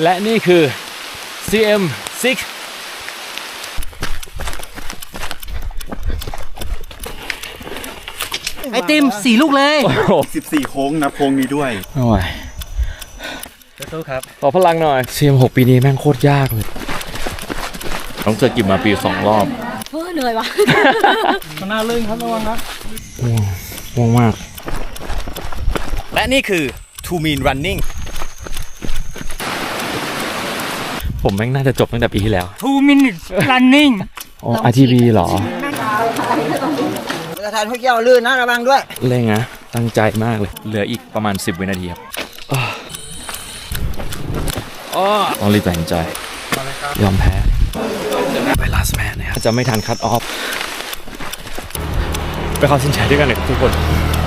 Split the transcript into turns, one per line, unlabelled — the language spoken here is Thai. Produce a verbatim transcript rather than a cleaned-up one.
และนี่คือ ซี เอ็ม ซิกซ์
ไอติมสี่ลูกเลย
สิบสี่โค้งนับโค้งนี้ด้วย
โอ้ย
สู้ครับ
ขอพลังหน่อย ซี เอ็ม หก ปีนี้แม่งโคตรยากเลยต้องเจอกิบมาปีสองรอบ
เฮ้ยเหนื่อยวะ
มันน่าลื่นครับระวังครับ
ง่วงง่วงมาก
และนี่คือ Two Mean Running
ผมแม่งน่าจะจบตั้งแต่ปีที่แล้ว
Two Minutes Running
อ๋อ อาร์ ที บี เหรอ
ประธานพวกเกี่ยวลื่นนะระวังด้วย
เร่งนะตั้งใจมากเลยเหลืออีกประมาณสิบวินาทีครับต้องรีบตัดสินใจยอมแพ้ไปลาสแมนนะครับจะไม่ทันคัตออฟไปเข้าสินใจด้วยกันเลยทุกคน